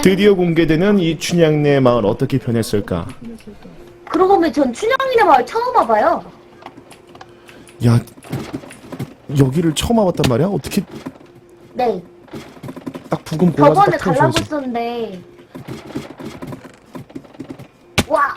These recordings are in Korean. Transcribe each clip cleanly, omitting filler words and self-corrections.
드디어 공개되는 이 춘향네 마을 어떻게 변했을까? 그러고 보면 전 춘향이네 마을 처음 와봐요. 야, 여기를 처음 와봤단 말이야? 어떻게 네. 딱 부금 골라서 저번에 딱 가려고 태워줘야지. 했었는데. 와!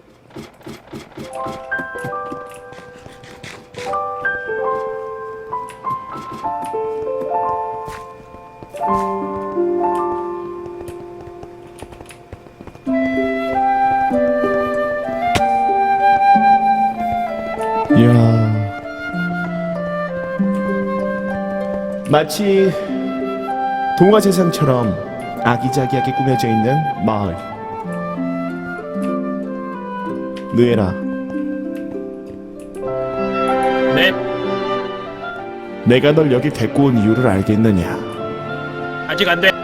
이야, 마치 동화 세상처럼 아기자기하게 꾸며져 있는 마을. 느에라, 네, 내가 널 여기 데리고 온 이유를 알겠느냐? 아직 안 돼.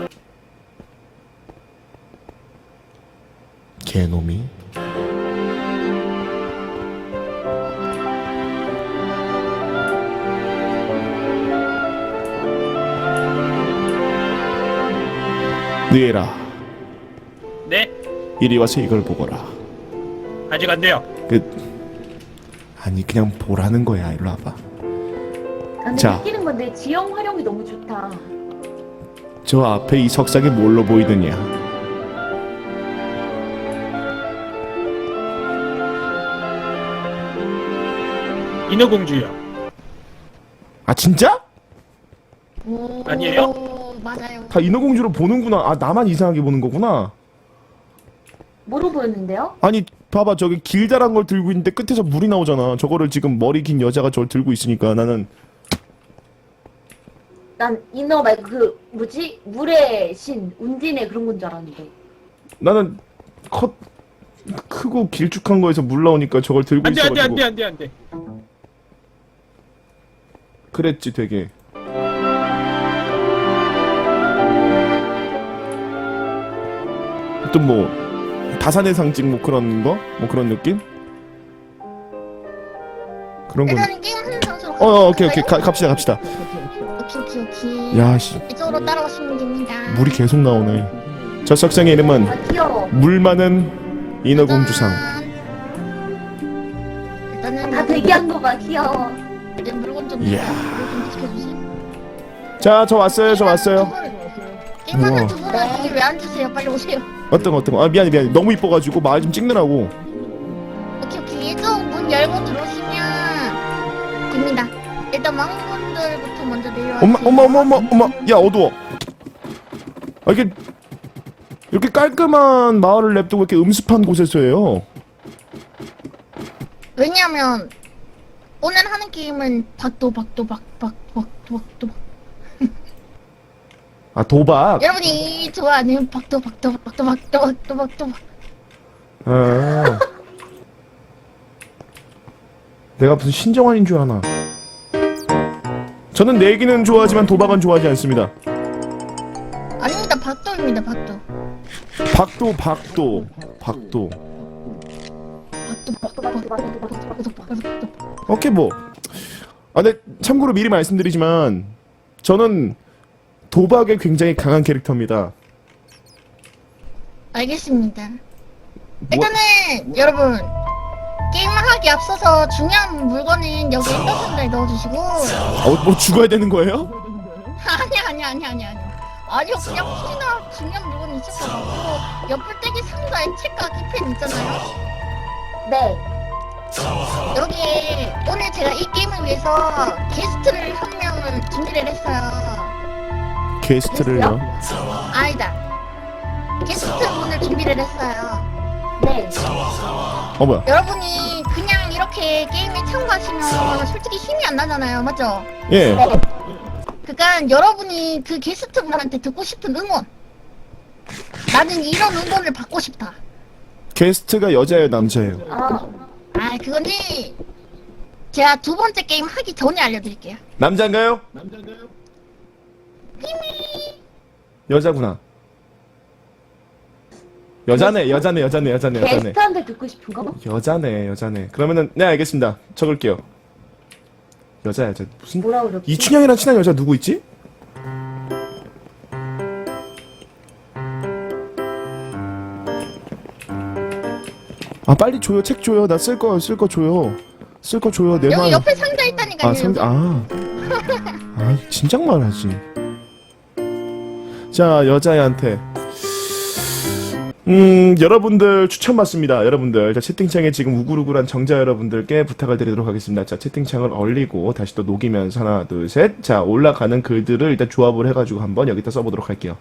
개놈이. 느에라, 네, 이리 와서 이걸 보거라. 아직 안 돼요. 아니 그냥 보라는 거야. 일로 와봐. 나는 자. 느끼는 건데 지형 활용이 너무 좋다. 저 앞에 이 석상이 뭘로 보이느냐? 인어공주요. 아 진짜? 오, 아니에요? 맞아요. 다 인어공주로 보는구나. 아 나만 이상하게 보는 거구나. 뭐로 보였는데요? 아니 봐봐, 저기 길다란 걸 들고 있는데 끝에서 물이 나오잖아. 저거를 지금 머리 긴 여자가 저걸 들고 있으니까 나는 난 인어 말고 그 뭐지? 물의 신, 운진의 그런 건 줄 알았는데. 나는 크고 길쭉한 거에서 물 나오니까 저걸 들고 안 돼, 안 돼, 안 있어가지고 돼, 안 돼, 안 돼. 그랬지 되게. 또 뭐 다산의 상징 뭐 그런 거? 뭐 그런 느낌? 그런 건. 일단은 게임 하는 장소로 오케이 갑시다. 오케이. 야씨, 이쪽으로 따라오시면 됩니다. 물이 계속 나오네. 저 석상의 이름은 아 귀여워. 물 많은 인어공주상. 일단은 다 대기한 거 봐, 귀여워. 일단 물건 좀 이야. 물건 지켜주세요. 자, 저 왔어요. 게임하는 우와. 두 분은 거기 왜 앉으세요? 빨리 오세요. 어떤 거. 아 미안해. 너무 이뻐가지고 마을 좀 찍느라고. 오케이. 이쪽 문 열고 들어오시면 됩니다. 일단 왕분들부터 먼저 내려와주세요. 엄마. 야 어두워. 아 이게 이렇게 깔끔한 마을을 냅두고 이렇게 음습한 곳에서 해요. 왜냐면 오늘 하는 게임은 박도. 아 도박. 여러분이 좋아하는 박도. 아. 내가 무슨 신정환인 줄 아나. 저는 내기는 좋아하지만 도박은 좋아하지 않습니다. 아닙니다. 박도입니다. 박도. 박도. 박도. 오케이 뭐. 아 근데 참고로 미리 말씀드리지만 저는 도박에 굉장히 강한 캐릭터입니다. 알겠습니다. 뭐, 일단은 여러분 게임을 하기 앞서서 중요한 물건은 여기 떡선을 넣어주시고 뭐 죽어야 되는 거예요? 아니야 아니요 그냥 혹시나 중요한 물건이 있을까 봐 옆불떼기 상자에 책과 키펜 있잖아요. 네. 여기에 오늘 제가 이 게임을 위해서 게스트를 한 명을 준비를 했어요. 게스트를요? 아니다. 게스트분을 준비를 했어요. 네. 뭐야? 여러분이 그냥 이렇게 게임에 참가하시면 솔직히 힘이 안 나잖아요. 맞죠? 예. 네. 그러니까 여러분이 그 게스트분한테 듣고 싶은 응원. 나는 이런 응원을 받고 싶다. 게스트가 여자예요, 남자예요? 아, 그거는 제가 두 번째 게임 하기 전에 알려드릴게요. 남자인가요? 여자구나. 여자네. 게스트한테 듣고 싶은 거? 여자네. 그러면은 네 알겠습니다. 적을게요. 여자 무슨 뭐라 그랬지? 이춘향이랑 친한 여자 누구 있지? 아 빨리 줘요. 책 줘요. 나 쓸 거 줘요. 쓸 거 줘요. 내 여기 말. 옆에 상자 있다니까요. 아 상자 진작 말하지. 자 여자애한테 여러분들 추천 받습니다. 여러분들 자 채팅창에 지금 우글우글한 정자 여러분들께 부탁을 드리도록 하겠습니다. 자 채팅창을 얼리고 다시 또 녹이면서 하나 둘 셋. 자 올라가는 글들을 일단 조합을 해가지고 한번 여기다 써보도록 할게요.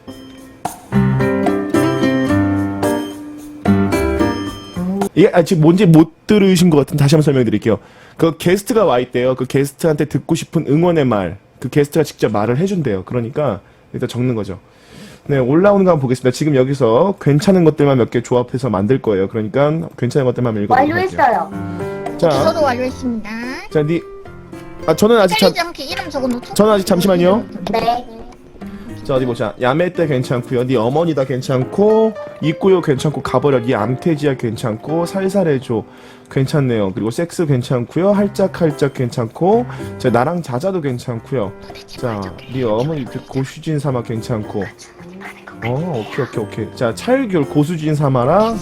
이게 지금 뭔지 못 들으신 것 같은 다시 한번 설명드릴게요. 그 게스트가 와 있대요. 그 게스트한테 듣고 싶은 응원의 말, 그 게스트가 직접 말을 해준대요. 그러니까 일단 적는 거죠. 네, 올라오는 거 한번 보겠습니다. 지금 여기서 괜찮은 것들만 몇 개 조합해서 만들 거예요. 그러니까 괜찮은 것들만 읽어보도록 할게요. 완료했어요. 자, 저도 완료했습니다. 자, 저는 아직 헷갈리지 않게 이름 적어놓죠. 저는 아직 잠시만요. 네. 자 어디 보자. 야매 때 괜찮고요. 네 어머니다 괜찮고 있고요 괜찮고 가버려. 네 암태지야 괜찮고 살살해줘 괜찮네요. 그리고 섹스 괜찮고요. 할짝할짝 괜찮고 자 나랑 자자도 괜찮고요. 자네 어머니 고수진 삼아 괜찮고 오케이. 자 찰귤 고수진 삼아랑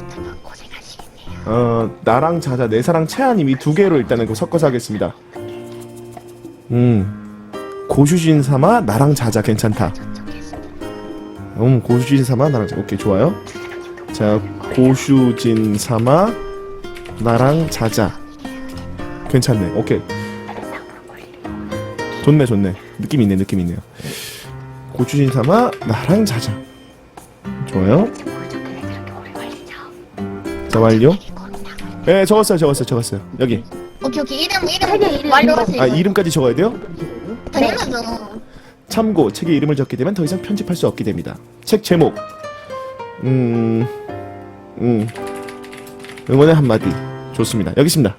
나랑 자자 내 사랑 채아님 이 두 개로 일단은 그 섞어서 하겠습니다. 고수진 삼아 나랑 자자 괜찮다. 고수진 삼아 나랑 자자 오케이 좋아요. 자 고수진 삼아 나랑 자자 괜찮네. 오케이 좋네 느낌 있네요. 고수진 삼아 나랑 자자 좋아요. 자 완료. 네 적었어요. 여기 오케이 책의 이름 이름 완료하세요. 이름까지 적어야 돼요? 당연하죠. 참고 책의 이름을 적게 되면 더 이상 편집할 수 없게 됩니다. 책 제목 응원의 한마디 좋습니다. 여기 있습니다.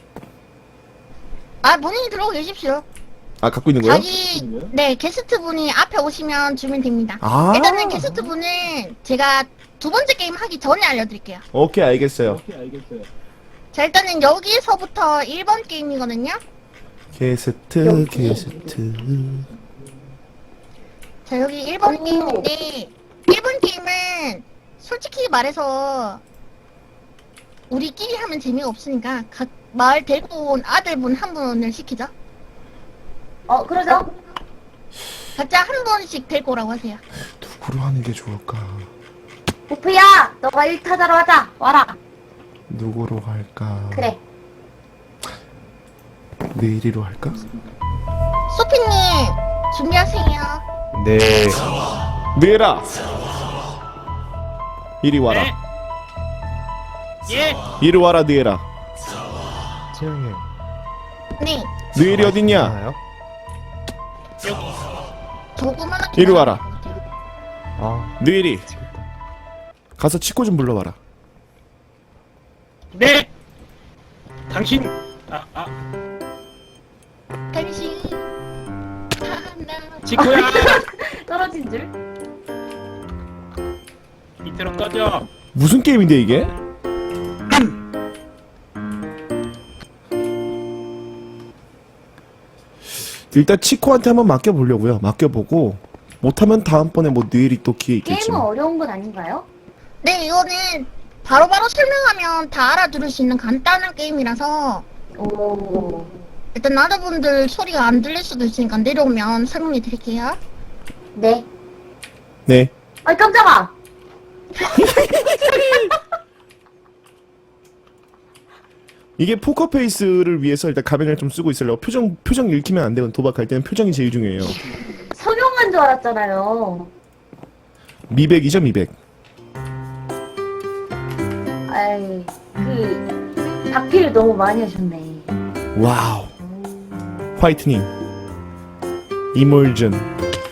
본인이 들어오고 계십시오. 갖고 있는 거예요? 네 게스트 분이 앞에 오시면 주면 됩니다. 아 일단은 게스트 분은 제가 두 번째 게임 하기 전에 알려드릴게요. 오케이 알겠어요. 자 일단은 여기서부터 1번 게임이거든요. 게스트 자 여기 1번 게임인데 1번 게임은 솔직히 말해서 우리끼리 하면 재미가 없으니까 각 마을 데리고 온 아들분 한 분을 시키죠. 그러죠. 각자 한 분씩 데리고 오라고 하세요. 누구로 하는 게 좋을까? 보프야, 너가 1타자로 하자. 와라. 누구로 할까? 그래. 내일이로 할까? 소피님 준비하세요. 네. 느에라 이리 와라. 네. 예. 이리 와라 느에라. 채영이 네 느엘이 어딨냐? 나요? 여기. 조그만 이리 와라. 느엘이 미치겠다. 가서 치코 좀 불러와라. 네. 당신 당신 하나 지코야. 떨어진 줄. 밑으로 꺼져. 무슨 게임인데 이게? 일단 치코한테 한번 맡겨보려고요. 맡겨보고 못하면 다음번에 뭐 느엘이 또 기회 있겠지. 게임은 어려운 건 아닌가요? 네 이거는 바로바로 설명하면 다 알아들을 수 있는 간단한 게임이라서 오. 일단 아들분들 소리가 안 들릴 수도 있으니까 내려오면 설명해 드릴게요. 네. 네. 아이 깜짝아. 이게 포커페이스를 위해서 일단 가면을 좀 쓰고 있으려고 표정 읽히면 안 되고 도박할 때는 표정이 제일 중요해요. 성형한 줄 알았잖아요. 미백이죠 미백. 아이 박피를 너무 많이 하셨네. 와우. 화이트닝. 이몰전.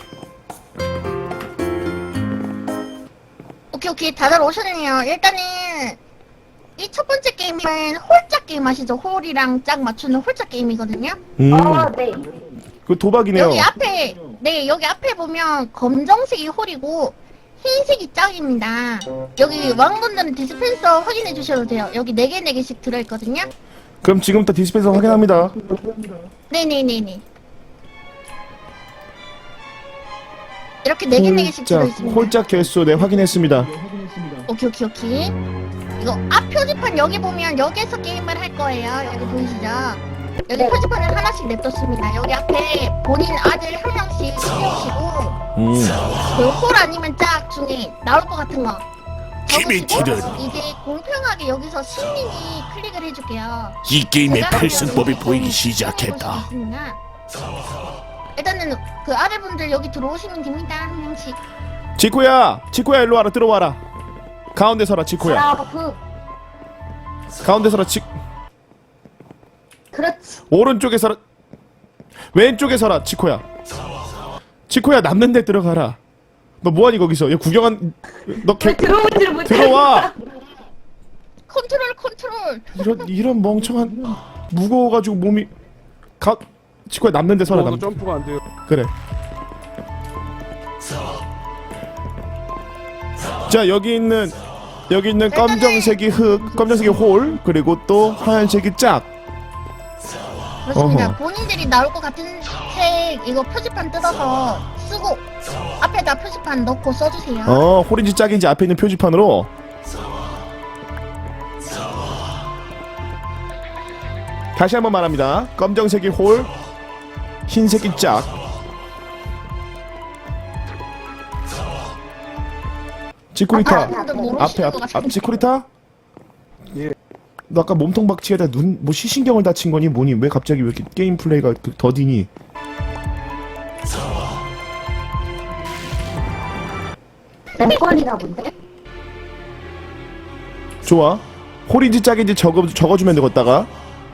오케이 다들 오셨네요. 일단은 이 첫 번째 게임은 홀짝 게임 아시죠? 홀이랑 짝 맞추는 홀짝 게임이거든요. 네. 그 도박이네요. 여기 앞에 보면 검정색이 홀이고 흰색이 짝입니다. 여기 왕분들은 디스펜서 확인해 주셔도 돼요. 여기 4개 4개씩 들어있거든요. 그럼 지금부터 디스펜서 확인합니다. 네네네네. 이렇게 4개 4개씩 들어있습니다. 홀짝 개수 네 확인했습니다. 오케이. 이거 앞 표지판 여기 보면 여기에서 게임을 할 거예요. 여기 보이시죠? 여기 네. 표지판을 하나씩 냅뒀습니다. 여기 앞에 본인 아들 한 명씩 세우시고 그홀 아니면 짝 중에 나올 것 같은 거 힘이 적으시고 들은 이제 공평하게 여기서 신님이 클릭을 해줄게요. 이 게임의 제가 필승법이 여기 보이기 보실 수 시작했다. 있습니다. 일단은 그 아래분들 여기 들어오시면 됩니다. 한 명씩. 지코야 일로 와라. 들어와라. 가운데 서라. 지코야 브라보. 가운데 서라. 그렇지. 오른쪽에 서라. 왼쪽에 서라. 지코야 남는 데 들어가라. 너 뭐하니 거기서? 야 구경한 너 개... 들어오지를 못해. 들어와. 컨트롤. 이런 멍청한 무거워가지고 몸이 지코야 남는 데 서라. 점프가 안 돼요. 그래. 자 여기 있는 검정색이 흙, 검정색이 홀, 그리고 또 하얀색이 짝. 그렇습니다. 어허. 본인들이 나올 것 같은 색 이거 표지판 뜯어서 쓰고 앞에다 표지판 넣고 써주세요. 홀인지 짝인지 앞에 있는 표지판으로. 다시 한번 말합니다. 검정색이 홀, 흰색이 짝. 지코리타 앞에 지코리타. 예. 너 아까 몸통 박치에다 뭐 시신경을 다친 거니 뭐니? 왜 갑자기 왜 이렇게 게임 플레이가 더디니? 램건이나 본데? 좋아. 홀인지 짝인지 적어주면 되겠다가.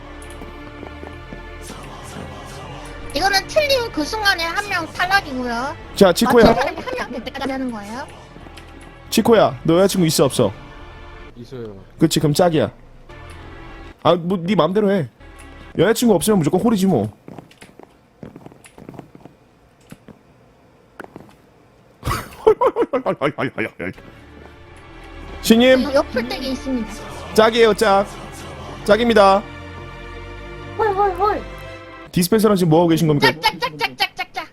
이거는 틀린 그 순간에 한 명 탈락이고요. 자 지코야, 맞춘 사람이 한 명 될 때까지 하는 거예요. 지코야, 너 여자친구 있어 없어? 있어요. 그치, 그럼 짝이야. 아, 뭐 네 맘대로 해. 여자친구 없으면 무조건 홀이지 뭐. 신님, 옆풀떼기 있습니다. 짝이에요, 짝. 짝입니다. 헐. 디스펜서랑 지금 뭐하고 계신 겁니까? 짝짝짝짝짝짝짝.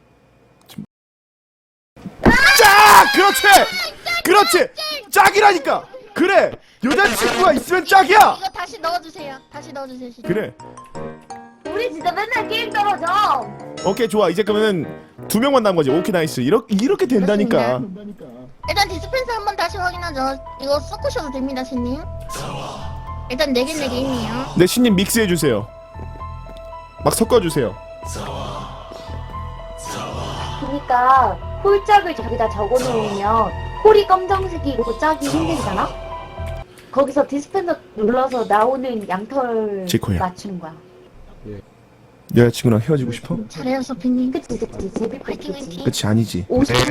짝! 그렇지! 짝이라니까! 그래! 여자친구가 있으면 짝이야! 이거 다시 넣어주세요. 시작. 그래. 우리 진짜 맨날 게임 떨어져. 오케이, 좋아. 이제 그러면은 2명만 남은 거지. 오케이, 나이스. 이렇게 된다니까. 일단 디스펜서 한번 다시 확인하죠. 이거 섞으셔도 됩니다, 신님. 일단 4개 게임이에요. 네, 신님 믹스해주세요. 막 섞어주세요. 그러니까 홀짝을 저기다 적어놓으면 홀이 검정색이고 짝이 흰색이잖아? 거기서 디스펜서 눌러서 나오는 양털 지코야. 맞추는 거야. 여자친구랑 헤어지고 싶어? 잘해요, 소피님. 그치 제비 화이팅, 파이팅이지. 화이팅. 그치, 아니지.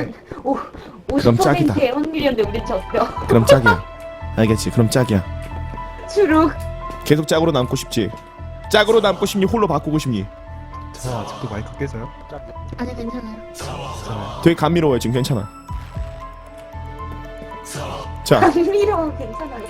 50%의 확률이었는데 우리 졌어. 그럼 짝이야. 알겠지? 그럼 짝이야. 추룩. 계속 짝으로 남고 싶지? 짝으로 남고 싶니? 홀로 바꾸고 싶니? 저 아직도 마이크 깨져요? 아니, 괜찮아요. 되게 감미로워요. 지금 괜찮아. 자, 감미로워 괜찮아요.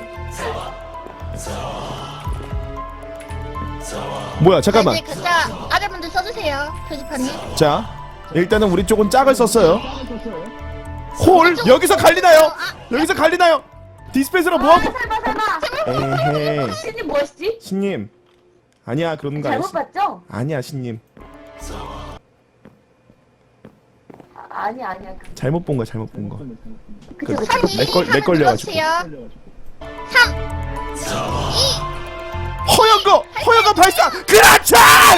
뭐야, 잠깐만. 이제 글자 아래분들 써주세요, 표지판에. 자, 일단은 우리 쪽은 짝을 썼어요. 홀! 여기서 갈리나요? 여기서 갈리나요? 디스펜서로 뭐? 설마. 에헤이. 신님 뭐였지? 신님. 아니야, 그런 거 잘못 아니야. 봤죠? 아니야, 신님. 아니야. 잘못 본 거야, 잘못 본 거. 그쵸. 내 걸려가지고. 3 허연 거 발사! 그렇지!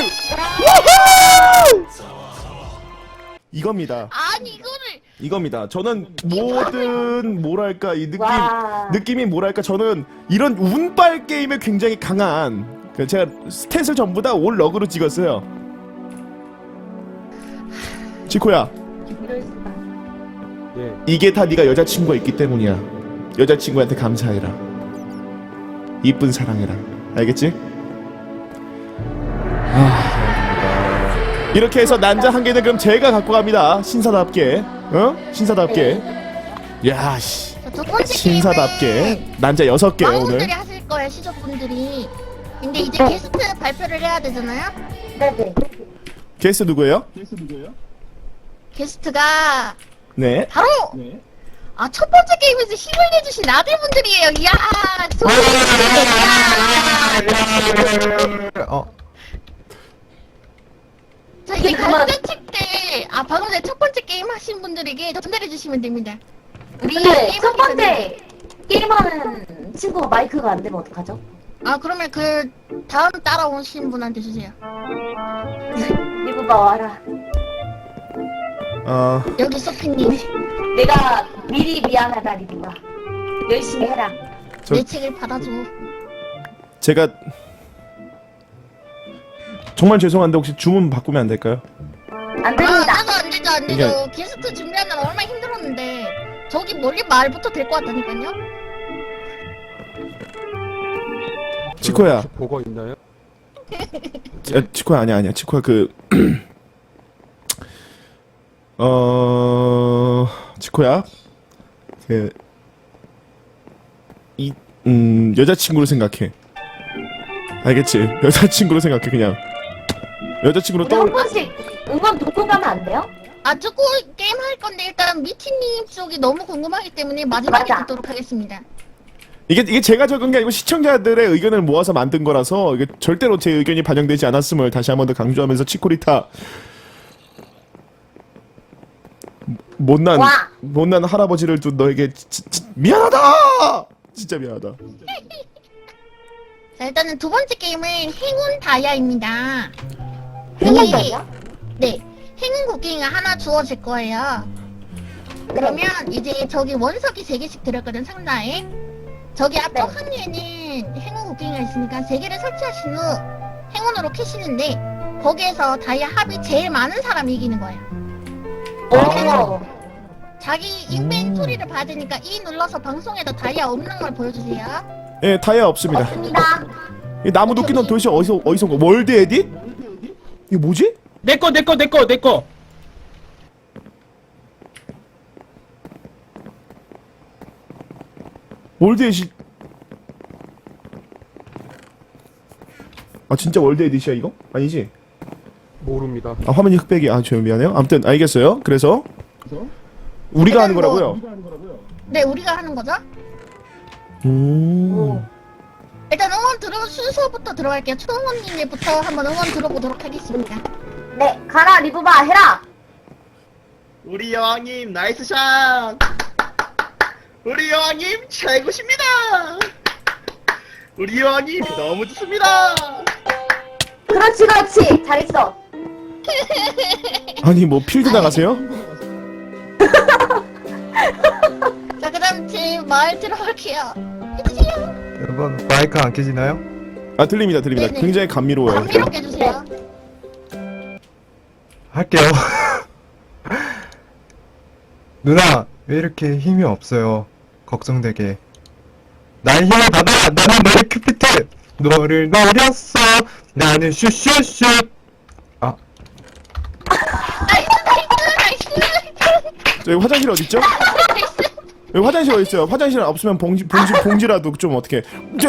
우후! 이겁니다. 아니, 이거를. 이겁니다. 저는 모든 뭐랄까 이 와. 느낌이 뭐랄까 저는 이런 운빨 게임에 굉장히 강한 제가 스탯을 전부 다 올 러그로 찍었어요. 지코야, 이럴 수가. 예. 이게 다 네가 여자친구가 있기 때문이야. 여자친구한테 감사해라. 이쁜 사랑해라. 알겠지? 이렇게 해서 난자 한 개는 그럼 제가 갖고 갑니다. 신사답게. 신사답게. 야, 씨. 첫 번째 신사답게 게임은 난자 6개 오늘. 왕분들이 하실 거예요, 시조분들이. 근데 이제 게스트 발표를 해야 되잖아요? 네네. 게스트 누구예요? 게스트가 네. 바로 아, 첫 번째 게임에서 힘을 내주신 아들분들이에요. 이야, 자, 이제 그만. 간단칩 때, 방금 전에 첫 번째 게임 하신 분들에게 전달해 주시면 됩니다. 우리 근데 게임 첫 하기 전에. 번째 게임하는 친구가 마이크가 안 되면 어떡하죠? 그러면 그 다음 따라오신 분한테 주세요. 리브바 와라. 여기 소피님, 내가 미리 미안하다 리브바. 열심히 해라. 내 책을 받아줘. 제가 정말 죄송한데 혹시 주문 바꾸면 안 될까요? 안 됩니다. 안 되죠, 안 되죠. 게스트 준비하느라 얼마나 힘들었는데. 저기 멀리 말부터 될 것 같다니까요? 치코야. 혹시 보고 있나요? 치코야 아니야 치코야 치코야 여자친구로 생각해. 알겠지? 여자친구로 생각해. 그냥 여자친구로 우리 한 떠올. 번씩 응원 듣고 가면 안 돼요? 조금 게임 할 건데 일단 미티님 쪽이 너무 궁금하기 때문에 마지막에 맞아. 듣도록 하겠습니다. 이게 제가 적은 게 아니고 시청자들의 의견을 모아서 만든 거라서 이게 절대로 제 의견이 반영되지 않았음을 다시 한 번 더 강조하면서 치코리타 와. 못난 할아버지를 둔 너에게 미안하다. 진짜 미안하다. 자, 일단은 두 번째 게임은 행운 다이아입니다. 행운 다이아? 네. 행운 곡괭이가 하나 주어질 거예요. 그러면 이제 저기 원석이 3개씩 들었거든, 상자에. 저기 앞쪽 네. 항리에는 행운 곡괭이가 있으니까 3개를 설치하신 후 행운으로 캐시는데 거기에서 다이아 합이 제일 많은 사람이 이기는 거예요. 오. 자기 인벤토리를 봐야 되니까 E 눌러서 방송에다 다이아 없는 걸 보여주세요. 예, 다이아 없습니다. 없습니다. 이 나무 도끼는 도대체 어디서 온 거? 월드 에딧? 이게 뭐지? 내꺼. 월드 에딧. 진짜 월드 에딧이야 이거? 아니지? 모릅니다. 화면이 흑백이. 저 미안해요. 아무튼 알겠어요. 그래서 우리가 하는 일단 거라고요. 네, 우리가 하는 거죠. 오. 일단 응원 들어 순서부터 들어갈게요. 초롱언니네부터 한번 응원 들어보도록 하겠습니다. 네, 가라 리브바 해라. 우리 여왕님 나이스 샷! 우리 여왕님 최고십니다! 우리 여왕님 너무 좋습니다! 그렇지 그렇지 잘했어. 아니 뭐 필드 나가세요? 자, 그다음 제 말 들어갈게요. 해주세요. 여러분 마이크 안 켜지나요? 들립니다. 네네. 굉장히 감미로워요. 감미롭게 해주세요. 할게요. 누나 왜 이렇게 힘이 없어요? 걱정되게. 나의 힘을 받아. 나는 너의 큐피트. 너를 노렸어. 나는 슈슈슈. 나이스. 저기 화장실 어디 있죠? 여기 화장실 어디 있어요? 화장실 없으면 봉지라도 좀 어떻게?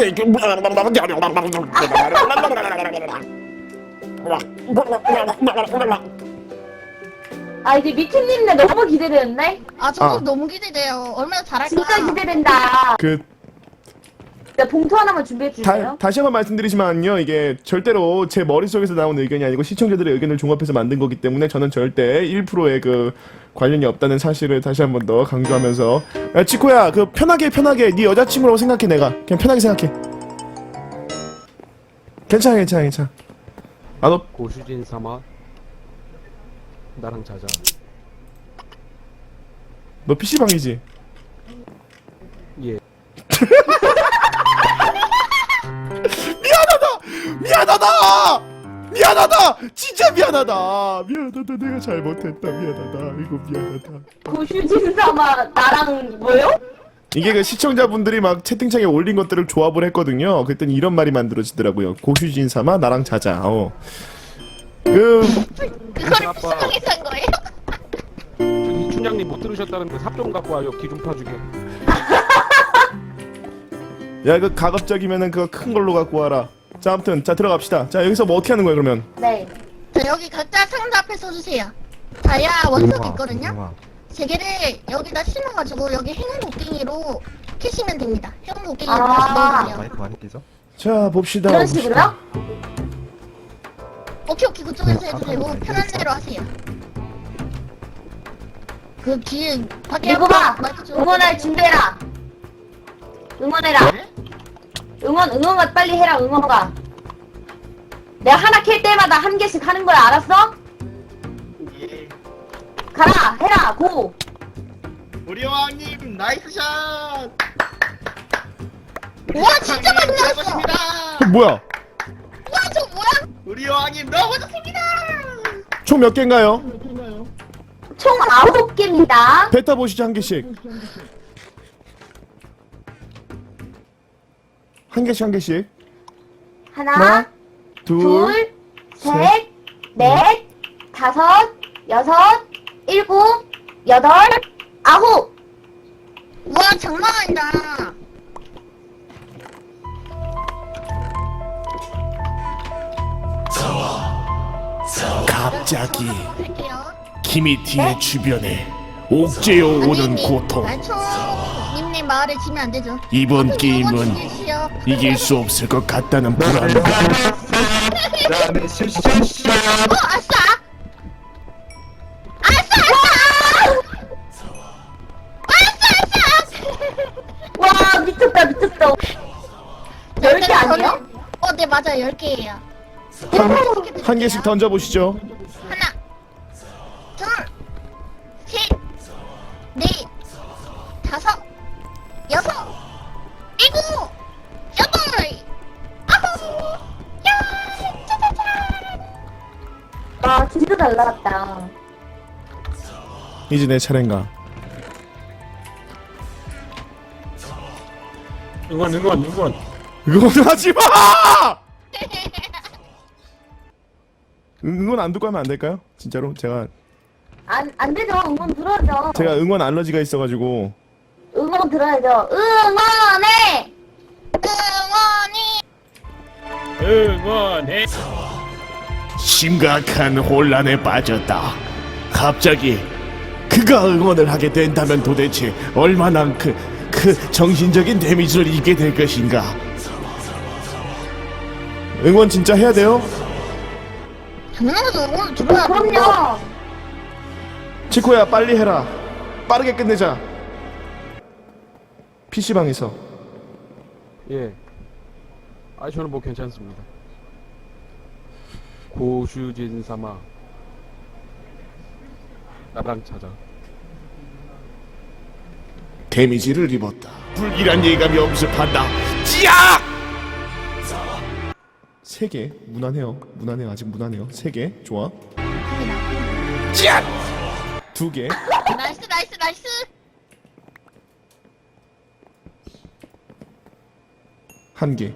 이제 미트님네 너무 기대되는데? 저도 너무 기대돼요. 얼마나 잘할까. 진짜 기대된다. 네, 봉투 하나만 준비해 주세요. 다시 한번 말씀드리지만요, 이게 절대로 제 머릿속에서 나온 의견이 아니고 시청자들의 의견을 종합해서 만든 거기 때문에 저는 절대 1%의 그 관련이 없다는 사실을 다시 한 번 더 강조하면서. 야, 치코야, 편하게 네 여자친구라고 생각해. 내가 그냥 편하게 생각해. 괜찮아. 너 고수진 삼아 나랑 자자. 너 PC방이지? 예. 미안하다! 진짜 미안하다! 내가 잘못했다. 이거 미안하다. 고슈진 삼아 나랑 뭐요? 이게 그 시청자분들이 막 채팅창에 올린 것들을 조합을 했거든요. 그랬더니 이런 말이 만들어지더라고요. 고슈진 삼아 나랑 자자. 그걸 아빠. PC방에서 한 거예요? 저기 춘향님 못 들으셨다는데 삽 좀 갖고 와요. 기 좀 파주게. 야, 가급적이면은 그거 큰 걸로 갖고 와라. 자, 아무튼 들어갑시다. 자, 여기서 뭐 어떻게 하는 거야 그러면? 네. 자, 여기 각자 상자 앞에 써주세요. 다이아 원석 있거든요. 세 개를 여기다 심어가지고 여기 행운 곡괭이로 캐시면 됩니다. 행운 곡괭이로 아. 다시 넣어주세요. 마이크 많이 끼죠? 자 봅시다. 이런 봅시다. 식으로요? 오케이 그쪽에서 네, 해도 되고 아까는 편한 알겠어. 대로 하세요. 그 뒤에 밖에 이거봐 마이크 좀- 응원할 준비해라. 응원해라. 응원가 빨리 해라. 응원가. 내가 하나 캘 때마다 한 개씩 하는 거야. 알았어? 예. 가라 해라 고. 우리 여왕님 나이스 샷. 와 진짜 많이 나왔어. 최고십니다. 뭐야? 와 저 뭐야? 우리 여왕님 너무 좋습니다. 총 몇 개인가요? 총 9개입니다. 베타 보시죠 한 개씩. 한 개씩 한 개씩. 하나, 둘, 둘, 셋, 넷, 다섯, 여섯, 일곱, 여덟, 아홉. 와 장난 아니다. 갑자기 할게요. 키미티의 주변에 옥죄어 오는 고통. 님님 마을에 지면 안 되죠. 이번 게임은 죽이시오. 이길 수 없을 것 같다는 불안감. 나는 슈슈슈. 아싸! 와 미쳤다 미쳤다. 10개 아니에요? 네 맞아요 10개예요. 한 개씩 던져 보시죠. 하나, 둘, 셋, 넷, 다섯, 여섯, 일곱, 여덟, 아홉, 열, 짜자잔. 와 진짜 잘 나갔다. 이제 내 차례인가? 응원. 응원하지 마! 응원 안 듣고 하면 안 될까요? 진짜로 제가 안 되죠. 응원 들어야죠. 응원 알러지가 있어가지고. 응원 들어야죠. 응원해. 응원이 응원해. 심각한 혼란에 빠졌다. 갑자기 그가 응원을 하게 된다면 도대체 얼마나 그 정신적인 데미지를 입게 될 것인가. 응원 진짜 해야 돼요? 당연한 거죠. 응원 들어야 돼. 그럼요. 치코야 빨리 해라. 빠르게 끝내자. PC방에서. 예. 아 저는 뭐 괜찮습니다. 고슈진 사마 나랑 찾아. 데미지를 입었다. 불길한 예감이 엄습한다. 찌악! 3개 무난해요. 무난해요. 아직 무난해요. 3개 좋아. 찌악! 2개. 나이스 나이스 나이스. 1개.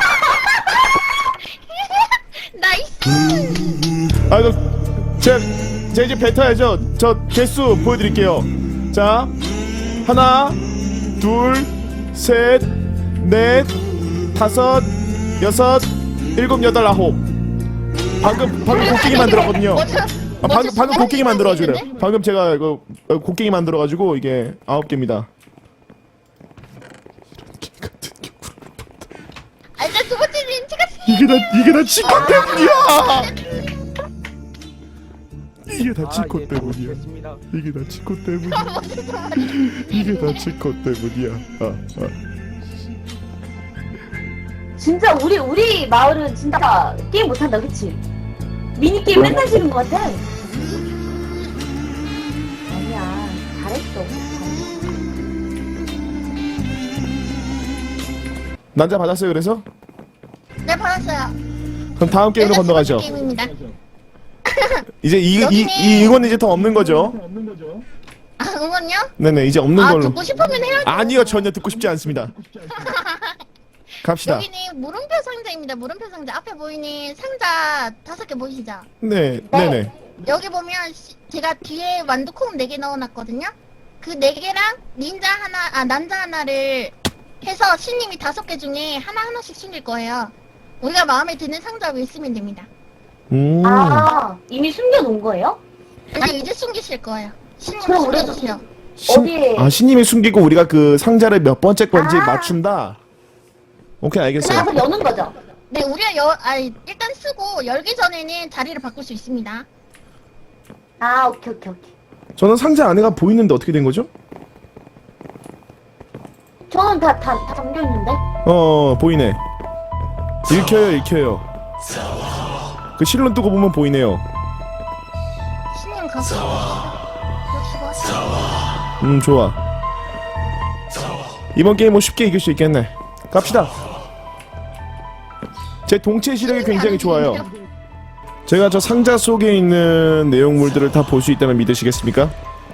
나이스. 아 이거 제가 이제 뱉어야죠. 저 개수 보여드릴게요. 자 하나 둘 셋 넷 다섯 여섯 일곱 여덟 아홉. 방금 곡괭이 만들었거든요. 아, 방금 곡괭이 만들어가지고 그래요. 방금 제가 이거 곡괭이 만들어가지고 이게 9개입니다. 아 이제 두 번째 님 제가 이게 다 치코 때문이야. 이게 다 치코 때문이야. 됐습니다. 이게 다 치코 때문이야. 이게 다 치코 때문이야. 진짜 우리 마을은 진짜 게임 못한다. 그치? 미니게임 맨날 지는 것 같아. 아니야. 잘했어. 난자 받았어요. 그래서 네 받았어요. 그럼 다음 게임으로 네, 건너가죠. 게임입니다. 이제 이 여기는- 응원은 이제 더 없는 거죠. 아 응원요? 네네 이제 없는 아 걸로. 듣고 싶으면 해야죠. 아니요 전혀 듣고 싶지 않습니다. 갑시다. 여기는 물음표 상자입니다. 물음표 상자 앞에 보이는 상자 5개 보이시죠? 네 네네. 여기 보면 제가 뒤에 완두콩 4개 넣어놨거든요. 그 4개랑 닌자 하나, 난자 하나를 해서 신님이 5개 중에 하나씩 숨길 거예요. 우리가 마음에 드는 상자 위에 쓰면 됩니다. 아 이미 숨겨놓은 거예요? 아니 이제 숨기실 거예요. 신님 그럼 우리- 숨겨주세요. 어디에? 신님이 숨기고 우리가 그 상자를 몇 번째 건지 아. 맞춘다. 오케이, 알겠어요. 그래서 여는 거죠. 네, 우리가 일단 쓰고 열기 전에는 자리를 바꿀 수 있습니다. 아, 오케이. 저는 상자 안에가 보이는데 어떻게 된 거죠? 저는 다 잠겨 있는데. 보이네. 읽혀요. 그 실론 뜨고 보면 보이네요. 신님 가서 좋아. 이번 게임 뭐 쉽게 이길 수 있겠네. 갑시다. 제 동체 시력이 굉장히 좋아요. 제가 저 상자 속에 있는 내용물들을 다 볼 수 있다면 믿으시겠습니까?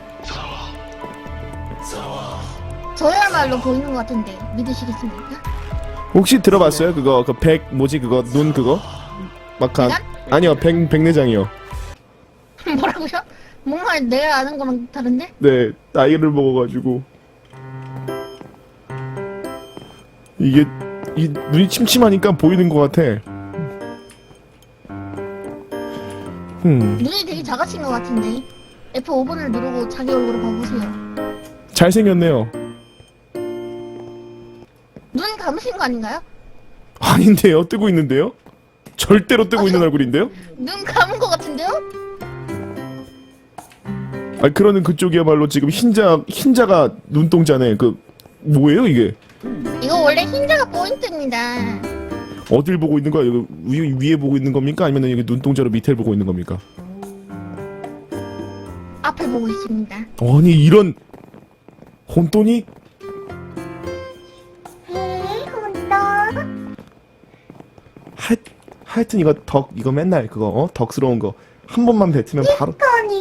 저야말로 보이는 것 같은데 믿으시겠습니까? 혹시 들어봤어요? 그거 그 그거 눈 그거? 막한 아니요 백내장이요. 뭐라고요? 뭔가 내가 아는 거랑 다른데? 네, 나이를 먹어가지고 이게 이 눈이 침침하니까 보이는 것 같아. 눈이 되게 작아진 것 같은데. F5번을 누르고 자기 얼굴을 봐보세요. 잘생겼네요. 눈 감으신 거 아닌가요? 아닌데요, 뜨고 있는데요? 절대로 뜨고 있는 얼굴인데요? 눈 감은 것 같은데요? 그러는 그쪽이야말로 지금 흰자가 눈동자네. 그 뭐예요 이게? 이거 원래 흰자가 포인트입니다. 어딜 보고 있는 거야? 이거 위에 보고 있는 겁니까? 아니면 여기 눈동자로 밑을 보고 있는 겁니까? 앞을 보고 있습니다. 아니 이런 혼돈이? 하여튼 이거 맨날 그거 덕스러운 거 한 번만 뱉으면 바로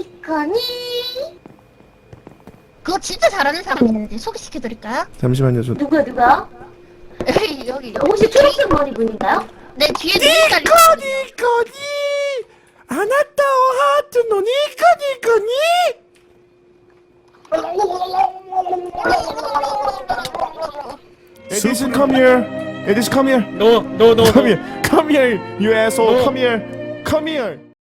그거 진짜 잘하는 사람 있는데 소개시켜드릴까요? 잠시만요. 저 누구야? 여기 혹시 초록색 머리 분인가요? 네 뒤에 눈이 달려 니코니 아나타오 하트노 니코니 Edison, come here. Edison, come here. No. Come here. Come here, you asshole. Come here. Come here.